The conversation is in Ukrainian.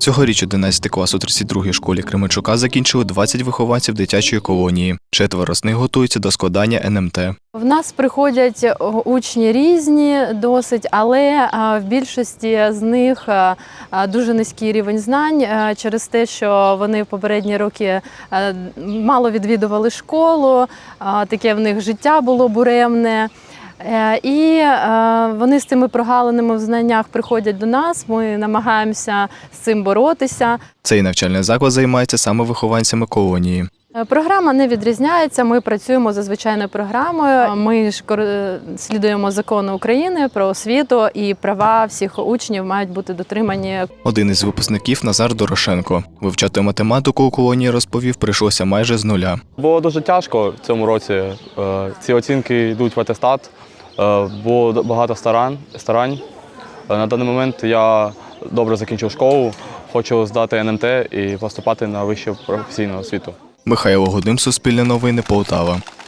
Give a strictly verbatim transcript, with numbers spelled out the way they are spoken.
Цьогоріч одинадцятий клас у тридцять другій школі Кременчука закінчили двадцять вихованців дитячої колонії. Четверо з них готуються до складання ен ем те. В нас приходять учні різні досить, але в більшості з них дуже низький рівень знань через те, що вони в попередні роки мало відвідували школу, таке в них життя було буремне. І вони з цими прогалинами в знаннях приходять до нас, ми намагаємося з цим боротися. Цей навчальний заклад займається саме вихованцями колонії. Програма не відрізняється, ми працюємо за звичайною програмою. Ми ж слідуємо закону України про освіту, і права всіх учнів мають бути дотримані. Один із випускників – Назар Дорошенко. Вивчати математику у колонії, розповів, прийшлося майже з нуля. Було дуже тяжко в цьому році. Ці оцінки йдуть в атестат. Було багато старань. старань. На даний момент я добре закінчив школу, хочу здати ен ем те і поступати на вищу професійну освіту. Михайло Гудим, Суспільне новини, Полтава.